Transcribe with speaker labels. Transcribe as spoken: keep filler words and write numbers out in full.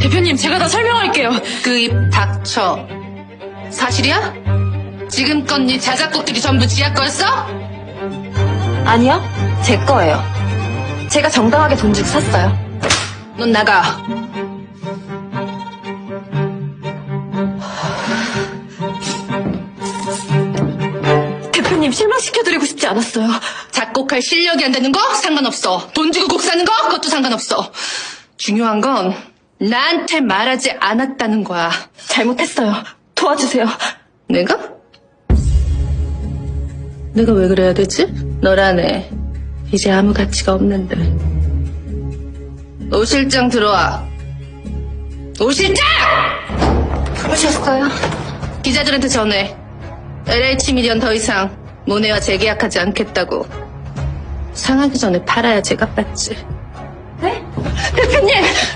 Speaker 1: 대표님, 제가 다 설명할게요.
Speaker 2: 그 입 닥쳐. 사실이야? 지금껏 네 자작곡들이 전부 지하 거였어?
Speaker 1: 아니요, 제 거예요. 제가 정당하게 돈 주고 샀어요.
Speaker 2: 넌 나가.
Speaker 1: 대표님, 실망시켜드리고 싶지 않았어요.
Speaker 2: 작곡할 실력이 안 되는 거 상관없어. 돈 주고 곡 사는 거 그것도 상관없어. 중요한 건 나한테 말하지 않았다는 거야.
Speaker 1: 잘못했어요. 도와주세요.
Speaker 2: 내가? 내가 왜 그래야 되지? 너라네. 이제 아무 가치가 없는데. 오 실장 들어와. 오 실장!
Speaker 1: 부르셨어요?
Speaker 2: 기자들한테 전해. 엘에이치 미디어는 더 이상 모네와 재계약하지 않겠다고. 상하기 전에 팔아야 제값 받지.
Speaker 1: 네? 대표님!